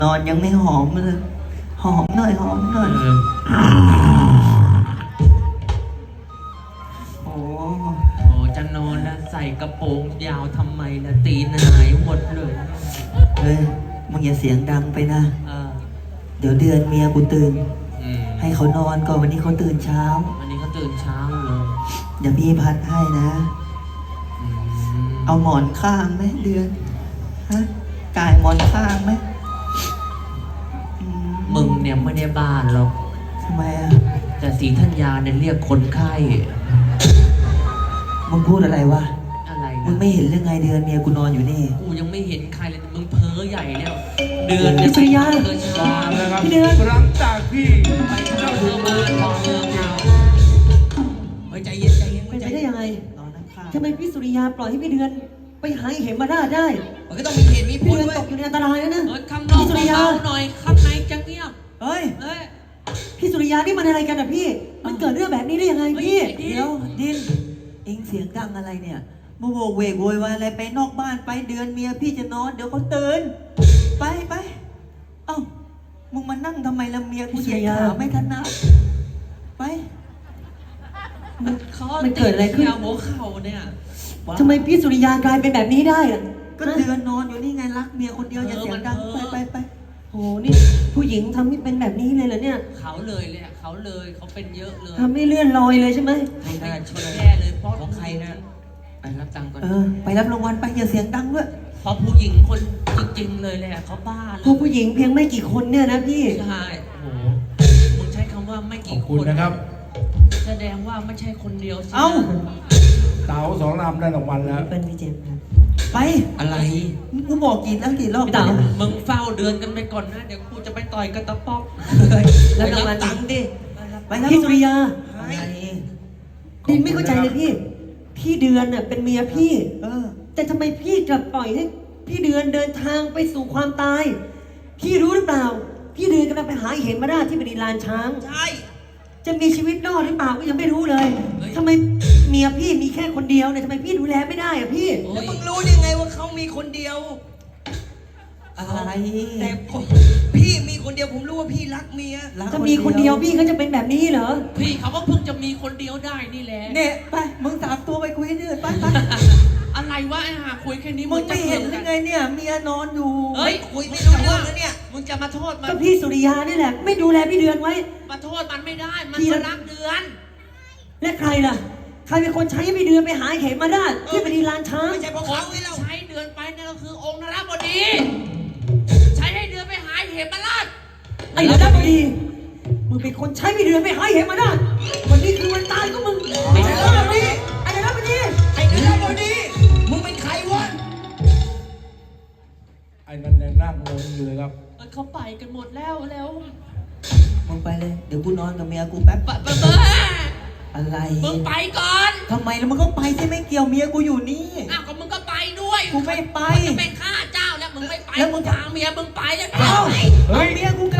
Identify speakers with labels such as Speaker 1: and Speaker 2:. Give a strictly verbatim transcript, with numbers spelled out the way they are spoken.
Speaker 1: นอนยังไม่หอมเลยหอมหน่อยหอมหน่อยโอ้
Speaker 2: โอ้จะนอนแล้วใส่กระโปรงยาวทำไมล่ะตีนหายหมดเลย
Speaker 1: เฮ้ยมึงอย่าเสียงดังไปนะ
Speaker 2: เออ
Speaker 1: เดี๋ยวเดือนเมียกูตื่น
Speaker 2: อืม
Speaker 1: ให้เขานอนก่อนวันนี้เขาตื่นเช้า
Speaker 2: วันนี้เขาตื่นเช้าเลย
Speaker 1: เดี๋ยวพี่พัดให้นะ
Speaker 2: อืม
Speaker 1: เอาหมอนข้างไหมเดือนฮะกายหมอนข้างไหม
Speaker 2: มึงเนี่ยไม่ได้บ้านหรอก
Speaker 1: ทำไมอ่ะ
Speaker 2: แต่ศรีธัญญาเนี่ยเรียกคนไข้
Speaker 1: มึงพูดอะไรวะ
Speaker 2: อะไรนะ
Speaker 1: มึงไม่เห็นเรื่องไงเดือนเมียกูนอนอยู่นี่
Speaker 2: กูยังไม่เห็นใครเลยมึงเพ้อใหญ่แล้วเดือน
Speaker 1: เนี่ย
Speaker 2: สุริยะ
Speaker 3: เดือนนะครับหลังจากพี่
Speaker 2: ไปเจ้าเธอมาทองเมืองเราเฮ้ยใจเย็นใจเย็น
Speaker 4: เป็นไปได้ยังไง
Speaker 1: นอนนั่งข้าง
Speaker 4: ทำไมพี่สุริยาปล่อยให้พี่เดือนไปหาเหมมาราชได้
Speaker 2: มันก็ต้องมีเหตุมีผ
Speaker 4: พี่
Speaker 2: ล
Speaker 4: เดือน
Speaker 2: ด้วย
Speaker 4: ตกอยู่ในอันตรายแล้วนะ
Speaker 2: เฮ้ยข้างนอกเบาๆหน่อยข้างในจะเงียบ
Speaker 1: เฮ้ย
Speaker 2: เฮ้ย
Speaker 4: พี่สุริยานี่มันอะไรกันอ่ะพี่ มันเกิดเรื่องแบบนี้ได้ยังไงพี่
Speaker 1: เดี๋ยวดินเอ็งเสียงดังอะไรเนี่ยมาโวกเวกโวยวายอะไรไปนอกบ้านไปเดือนเมียพี่จะนอนเดี๋ยวเขาตื่นไปไปเอ้ามึงมานั่งทำไมละเมียกูเหยียดขาไม่ถนัดไป
Speaker 4: มัน
Speaker 2: เขา
Speaker 4: มันเกิดอะไรขึ้น
Speaker 2: หัวเข่าเนี่ย
Speaker 4: ทำไมพี่สุริยากลายเป็นแบบนี้ได้อ่ะ
Speaker 1: ก็เดือนนอนอยู่นี่ไงรักเมียคนเดียวอย่าเสียงดังไปไปไป
Speaker 4: โหนี่ผู้หญิงทำให้เป็นแบบนี้เลยเหรอเนี่ย
Speaker 2: เขาเลยเลยเขาเลยเขาเป็นเยอะเลย
Speaker 4: ทำให้เลื่อนลอยเลยใช่ไหม
Speaker 2: ไม่ได้ชนแย่เลยเพราะของใครนะไปรับตังค์ก่อน
Speaker 1: เออไปรับรางวัลไปอย่าเสียงดังด้วย
Speaker 2: เพราะผู้หญิงคนจริงๆเลยแหละเขาบ้าเล
Speaker 4: พวย กผู้หญิงเพียงไม่กี่คนเนี่ยนะพี่
Speaker 2: ใช่โอ้โหมึงใช้คำว่าไม่
Speaker 3: ขอ
Speaker 2: กี่
Speaker 3: บ
Speaker 2: ค
Speaker 3: คุณ
Speaker 2: น
Speaker 3: นะครับ
Speaker 2: แสดงว่าไม่ใช่คนเดียวสิ
Speaker 1: เอ้า
Speaker 3: เต๋าสองลำได้รางวัลแล้ว
Speaker 4: เป็นพี่เจมส์ครับ
Speaker 1: ไป
Speaker 2: อะไร
Speaker 1: กูบอกกี่แล้วกี่รอบ
Speaker 4: พี่เต๋า
Speaker 2: มึงเฝ้าเดือนกันไปก่อนนะเดี๋ยวกูจะไปต่อยกับตะป๊อก
Speaker 4: แล้วรางวัล
Speaker 2: ตังค์ดิ
Speaker 1: ไปรับ
Speaker 4: พี่สุริยา
Speaker 1: อะไร
Speaker 4: ดินไม่เข้าใจเลยพี่ พี่เดือนน่ะเป็นเมียพี่
Speaker 1: เออ
Speaker 4: แต่ทำไมพี่กลับปล่อยให้พี่เดือนเดินทางไปสู่ความตาย พี่รู้หรือเปล่า พี่เดือนกำลังไปหาเหมมาราชที่บริลานช้าง
Speaker 2: ใช่
Speaker 4: จะมีชีวิตรอดหรือเปล่าก็ยังไม่รู้เลย
Speaker 2: เฮ้ย
Speaker 4: ทำไมเมียพี่มีแค่คนเดียวเนี่ยทำไมพี่ดูแลไม่ได้อะพี่
Speaker 2: โอ้
Speaker 5: แล้ว
Speaker 2: ย
Speaker 5: มึงรู้ได้ไงว่าเขามีคนเดียว
Speaker 1: อะไร
Speaker 5: แต่ผมพี่มีคนเดียวผมรู้ว่าพี่รักเมีย
Speaker 1: รัก
Speaker 4: ถ้ามีคนเดียวพี่ก็จะเป็นแบบนี้เหรอ
Speaker 2: พี่เขาก็เพิ่งจะมีคนเดียวได้นี่แหละ
Speaker 1: เนี่ยไปมึงสามตัวไปคุยให้เดือดไปไป
Speaker 2: อะไรวะไอ้ห่าคุยแค่นี้
Speaker 1: มึง
Speaker 2: จะ
Speaker 1: ไม่เห็นหรือไงเนี่ยเมียนอนอยู่
Speaker 2: เฮ้ย
Speaker 5: คุยไม่รู้เรื่องแล้วเนี่ย
Speaker 2: มึงจะมาโทษมัน
Speaker 4: ก็พี่สุริยานี่แหละ ไม่ดูแลพี่เดือนไว้
Speaker 2: มาโทษมันไม่ได้ มัน
Speaker 4: พี่
Speaker 2: มารักเดือน
Speaker 4: และใครล่ะ ใครเป็นคนใช้ให้พี่เดือนไปหาเหมมาราชที่บริลานช้าง
Speaker 5: ไม่ใช่เพราะ
Speaker 2: ค
Speaker 5: เขา
Speaker 2: น
Speaker 5: ไงเรา
Speaker 2: ใช้เดือนไปนั่นก็คือองค์นรบดี ใช้ให้เดือนไปหาเหมราช
Speaker 4: ไอ้ระดับบดี มึงเป็นคนใช้พี่เดือนไปหาเหมมาราชวันนี้คือวันตายของมึงไอ้ระดับบดีไอ้ระดับบดี
Speaker 5: ไอ้เรื่องบดีมึงเป็นใครวะ
Speaker 3: ไอ้นั่นยังนั่งงงอยู่เลยครับ
Speaker 2: เขาไปกันหมดแล้วแล้ว
Speaker 1: มึงไปเลยเดี๋ยวกูนอนกับเมียกูแป๊บ
Speaker 2: ปะปะปะ
Speaker 1: อะไร
Speaker 2: มึงไปก่อน
Speaker 1: ทำไมแล้วมึงก็ไปที่ไม่เกี่ยวเมียกูอยู่นี่
Speaker 2: อ้าวก็มึงก็ไปด้วย
Speaker 1: กูไม่ไป
Speaker 2: มึงจะเป็นข้าเจ้าแล้วมึงไม่ไป
Speaker 1: แล้วมึงจะ
Speaker 2: พาเมียมึงไปแล้ว
Speaker 1: เอ้า
Speaker 2: ไป
Speaker 1: เอาเมียกู